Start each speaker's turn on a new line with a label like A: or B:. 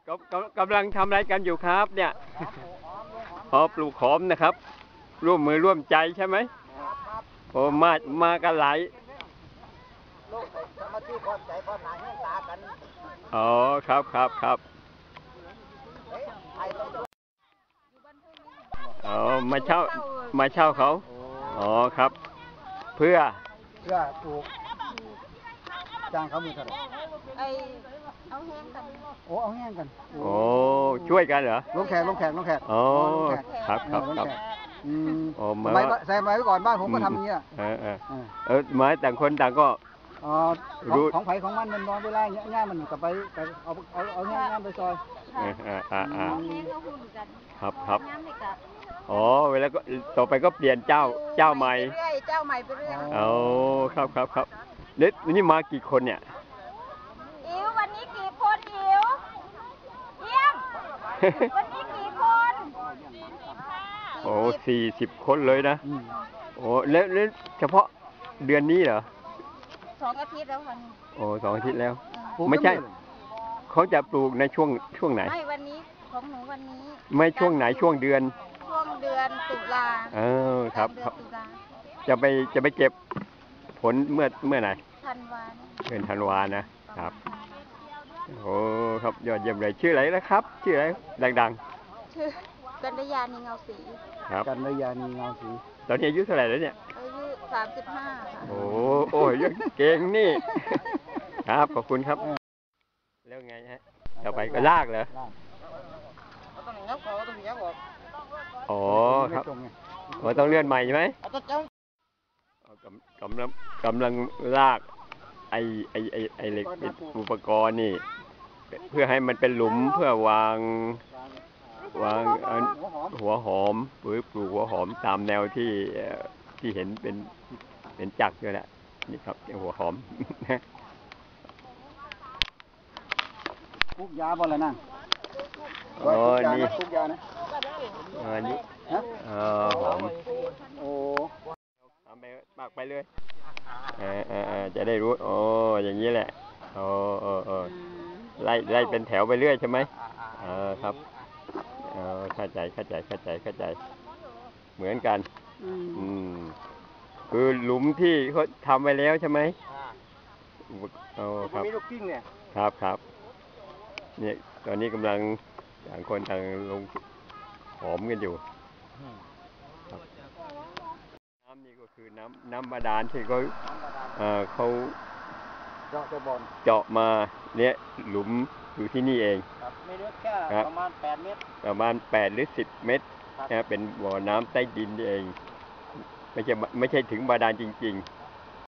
A: กำลังทำอะไรกันอยู่ครับเนี่ยพอปลูกหอมนะครับร่วมมือร่วมใจใช่ไหมโอ้มากันหลายอ๋อครับอ๋อมาเช่าเขาอ๋อครับเพื่อ
B: ปลูกจ้างเขามือเท่าไหร่
C: เอาแห้งกัน
B: โอ้เอาแห้งกัน
A: โอ้ช่วยกันเหรอ
B: ลงแขก
A: อ๋อครับ
B: โอ้มาใส่ไว้ก่อนบ้านผมก็ทำอย่างนี้อ่ะ
A: ไม้ต่างคนต่างก็
B: ของไผ่ของมันนอนเวลาง่ายมันกับไปเอาง่ายไปซอย
C: เอาแห้งก็หุ่นกัน
A: ครับอ๋อเวลาก็ต่อไปก็เปลี่ยนเจ้าใหม่
C: เจ้าใหม่ไปเรื่อย
A: อ๋อครับนี่มากี่คนเนี่ย
C: อิ๋ววันนี้กี่คนอิ๋วเยี่ยมวันนี้กี่คน
A: โอ้40 คนเลยนะโอ้แล้วเฉพาะเดือนนี้เหรอ
C: 2 อาทิตย์แล้วค่ะ
A: โอ้2 อาทิตย์แล้วไม่ใช่เขาจะปลูกในช่วงไหน
C: ไม่วันนี้ของหนูวันนี้
A: ไม่ช่วงไหนช่วงเดือน
C: ตุลา
A: ครับจะไปเก็บผลเมื่อไหร่เดือนธันวานะครับโอ้ครับยอดเยี่ยมเลยชื่ออะไรนะครับชื่ออะไรดัง
C: ๆชื่อกัญญาณีเงาสี
A: ครับ
B: กัญญาณีเงาสี
A: ตอนนี้อายุเท่าไหร่แล้วเนี่ย
C: อายุ35ค่ะ
A: โอ้ยเก่งนี่ครับขอบคุณครับแล้วไงฮะต่อไปก็ลากเหรออ๋อครับต้องเลื่อนใหม่ใช่ไหมกำลังลากไอเหล็กอุปกรณ์นี่เพื่อให้มันเป็นหลุมเพื่อวางหัวหอมหรือปลูกหัวหอมตามแนวที่เห็นเป็นจักรอยู่แหละนี่ครับหัวหอม
B: ปลูกยาบ่ละนั่ง
A: อ๋อนี่
B: ปลูกยานะ
A: นี่หอม
B: โอ้
A: ทำไปปากไปเลยจะได้รู้อ๋ออย่างนี้แหละไล่เป็นแถวไปเรื่อยใช่ไหมครับเข้าใจเหมือนกันคือหลุมที่เขาทำไว้แล้วใช่ไหมครับ
B: มีลูกกิ้งเนี่ย
A: ครับเนี่ยตอนนี้กำลังต่างคนต่างลงหอมกันอยู่น้ำนี่ก็คือน้ำบาดาลที่เขาเจาะมาเนี่ยหลุมอยู่ที่นี่เอง
B: ไม่ลึกแค่ประมาณ8 เมตร
A: ประมาณ8 หรือ 10 เมตรเป็นบ่อน้ำใต้ดินนี่เองไม่ใช่ถึงบาดาลจริงๆ